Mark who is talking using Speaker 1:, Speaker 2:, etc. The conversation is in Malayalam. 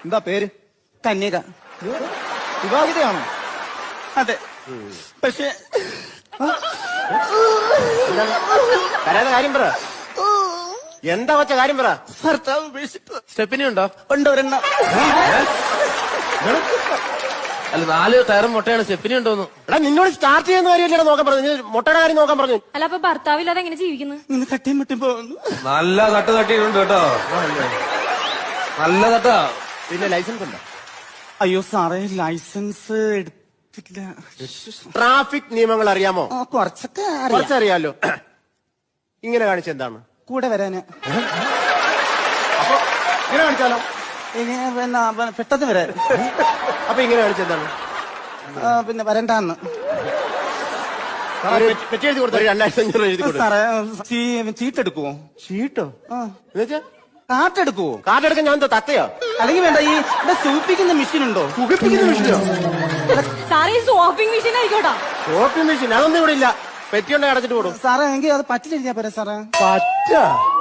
Speaker 1: എന്താ പേര്?
Speaker 2: കന്യക.
Speaker 1: വിവാഹിതയാണോ?
Speaker 2: അതെ. പക്ഷെ
Speaker 3: കരയാതെ കാര്യം പറ. എന്താ വച്ച കാര്യം പറ.
Speaker 2: ഭർത്താവ് ഉപേക്ഷിച്ചു.
Speaker 3: സ്റ്റെപ്പിനി ഉണ്ടോ?
Speaker 2: ഉണ്ട് ഒരെണ്ണം.
Speaker 3: അല്ല 4 ടയറും മുട്ടയാണ്. സ്റ്റെപ്പിനി ഉണ്ടോന്ന്. എടാ നിന്നോട് സ്റ്റാർട്ട് ചെയ്യുന്ന കാര്യമല്ലേ നോക്കാൻ പറഞ്ഞു. മുട്ടയുടെ കാര്യം നോക്കാൻ പറഞ്ഞു.
Speaker 4: അല്ല അപ്പൊ ഭർത്താവില്ലാതെ എങ്ങനെ ജീവിക്കുന്നു?
Speaker 2: ഇന്ന് തട്ടിയും മുട്ടി പോകുന്നു.
Speaker 5: നല്ല തട്ട് തട്ടിയിട്ടുണ്ട് കേട്ടോ. നല്ല തട്ടാ.
Speaker 3: പിന്നെ ലൈസൻസ് ഉണ്ടോ?
Speaker 2: അയ്യോ സാറേ, ലൈസൻസ് എടുത്തില്ല.
Speaker 3: ട്രാഫിക് നിയമങ്ങൾ അറിയാമോ?
Speaker 2: കുറച്ചൊക്കെ അറിയാം.
Speaker 3: കുറച്ചറിയാലോ. ഇങ്ങനെ കാണിച്ച എന്താണ്?
Speaker 2: കൂടെ വരാന്.
Speaker 3: അപ്പൊ ഇങ്ങനെ കാണിച്ചാലോ?
Speaker 2: ഇനി പിന്നെ പെട്ടെന്ന് വരാൻ.
Speaker 3: അപ്പൊ ഇങ്ങനെ കാണിച്ച എന്താണ്?
Speaker 2: പിന്നെ വരണ്ടാന്ന്.
Speaker 3: പെറ്റി എഴുതി കൊടുത്തു. 2500 എഴുതി കൊടുത്തു.
Speaker 2: സാറേ ചീട്ടെടുക്കുവോ?
Speaker 3: ഷീട്ടോ? എന്നുവെച്ചാ
Speaker 2: കാട്ടെടുക്കുവോ?
Speaker 3: കാർഡ് എടുക്കാൻ ഞാൻ എന്താ തത്തയോ?
Speaker 2: അല്ലെങ്കിൽ വേണ്ട, ഈ ഇവിടെ സൂപ്പിക്കുന്ന മെഷീൻ ഉണ്ടോ?
Speaker 3: പുകപ്പിക്കുന്ന മെഷീനോ?
Speaker 4: സാറേ സോപ്പിംഗ് മെഷീൻ ആയിക്കോട്ടാ.
Speaker 3: ഷോപ്പിംഗ് മെഷീൻ അതൊന്നും ഇവിടെ ഇല്ല. പെറ്റി ഉണ്ടെങ്കിൽ അടച്ചിട്ട് കൊടുക്കും.
Speaker 2: സാറേ എങ്കിൽ അത് പറ്റില്ല പോരാ സാറേ.
Speaker 3: പറ്റ